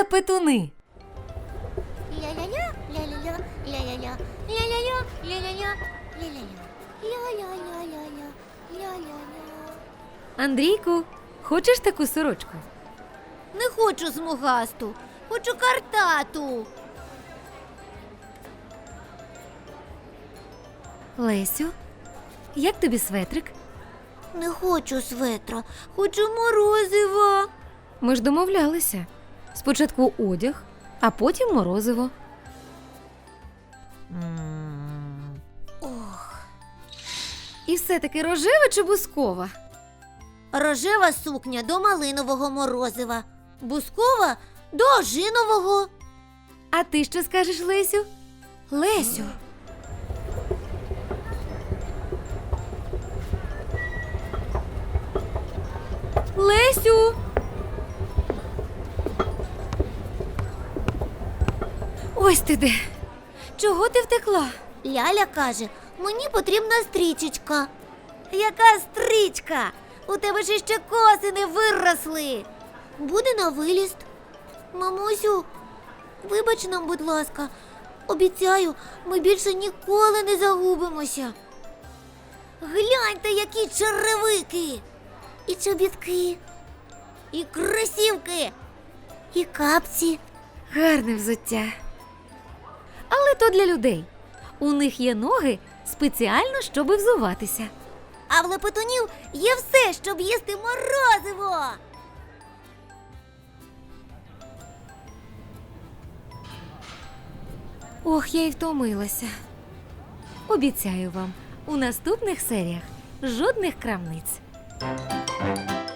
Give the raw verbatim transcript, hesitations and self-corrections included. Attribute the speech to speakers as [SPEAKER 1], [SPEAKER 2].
[SPEAKER 1] Лепетуни.
[SPEAKER 2] Ля-ля-ля, ля-ля-ля, ля-ля-ля, ля-ля-ля, ля-ля-ля, ля-ля-ля, ля-ля-ля-ля-ля, ля-ля-ля.
[SPEAKER 1] Андрійку, хочеш таку сорочку?
[SPEAKER 2] Не хочу смугасту, хочу картату.
[SPEAKER 1] Лесю, як тобі светрик?
[SPEAKER 2] Не хочу светра, хочу морозива.
[SPEAKER 1] Ми ж домовлялися. Спочатку одяг, а потім морозиво.
[SPEAKER 2] Ох,
[SPEAKER 1] І все-таки рожева чи бускова?
[SPEAKER 2] рожева сукня до малинового морозива, бускова до ожинового.
[SPEAKER 1] А ти що скажеш, Лесю? Лесю. Лесю! Ось ти де. Чого ти втекла?
[SPEAKER 2] Ляля каже, мені потрібна стрічечка. Яка стрічка? У тебе ж ще коси не виросли. Буде на виліст. Мамусю, вибач нам, будь ласка. Обіцяю, ми більше ніколи не загубимося. Гляньте, які черевики. І чобітки, і кросівки, і капці.
[SPEAKER 1] Гарне взуття. Але то для людей. У них є ноги спеціально, щоб взуватися.
[SPEAKER 2] А в лепетунів є все, щоб їсти морозиво.
[SPEAKER 1] Ох, я й втомилася. Обіцяю вам, у наступних серіях жодних крамниць.